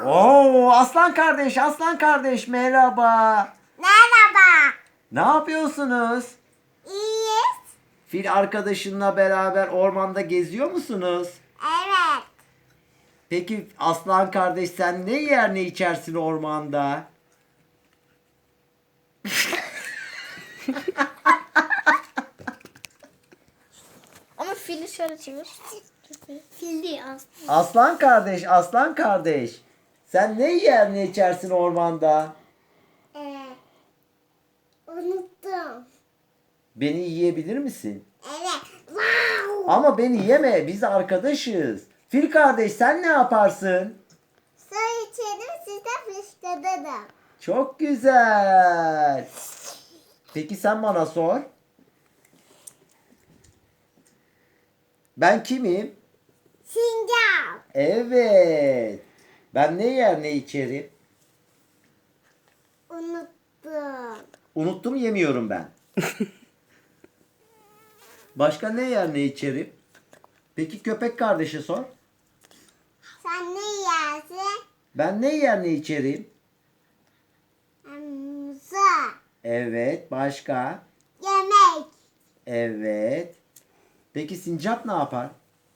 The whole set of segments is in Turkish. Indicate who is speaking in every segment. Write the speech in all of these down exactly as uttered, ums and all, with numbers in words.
Speaker 1: Oo, aslan kardeş, aslan kardeş merhaba.
Speaker 2: Merhaba.
Speaker 1: Ne yapıyorsunuz?
Speaker 2: İyiyiz.
Speaker 1: Fil arkadaşınla beraber ormanda geziyor musunuz?
Speaker 2: Evet.
Speaker 1: Peki aslan kardeş sen ne yer ne içersin ormanda?
Speaker 2: Ama fili şöyle çevir. Fil değil aslında.
Speaker 1: Aslan kardeş, aslan kardeş. Sen ne yer ne içersin ormanda?
Speaker 2: Ee, unuttum.
Speaker 1: Beni yiyebilir misin?
Speaker 2: Evet. Wow.
Speaker 1: Ama beni yeme, biz arkadaşız. Fil kardeş sen ne yaparsın?
Speaker 2: Su içerim size fışkırırım.
Speaker 1: Çok güzel. Peki sen bana sor. Ben kimim?
Speaker 2: Sincap.
Speaker 1: Evet. Ben ne yer ne içerim?
Speaker 2: Unuttum.
Speaker 1: Unuttum yemiyorum ben. Başka ne yer ne içerim? Peki köpek kardeşe sor.
Speaker 2: Sen ne yersin?
Speaker 1: Ben ne yer ne içerim?
Speaker 2: Muza.
Speaker 1: Evet. Başka?
Speaker 2: Yemek.
Speaker 1: Evet. Peki sincap ne yapar?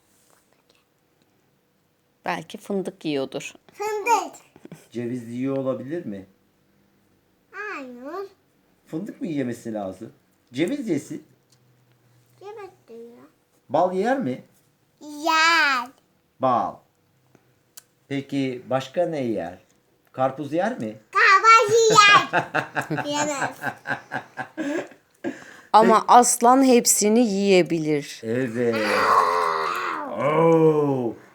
Speaker 3: Belki fındık yiyordur.
Speaker 2: Fındık.
Speaker 1: Ceviz yiyor olabilir mi?
Speaker 2: Hayır.
Speaker 1: Fındık mı yemesi lazım? Ceviz yesin.
Speaker 2: Yemek diyor.
Speaker 1: Bal yer mi?
Speaker 2: Yer.
Speaker 1: Bal. Peki başka ne yer? Karpuz yer mi?
Speaker 2: Kahvaltı yer. Yemez.
Speaker 3: Ama aslan hepsini yiyebilir.
Speaker 1: Evet. Oo.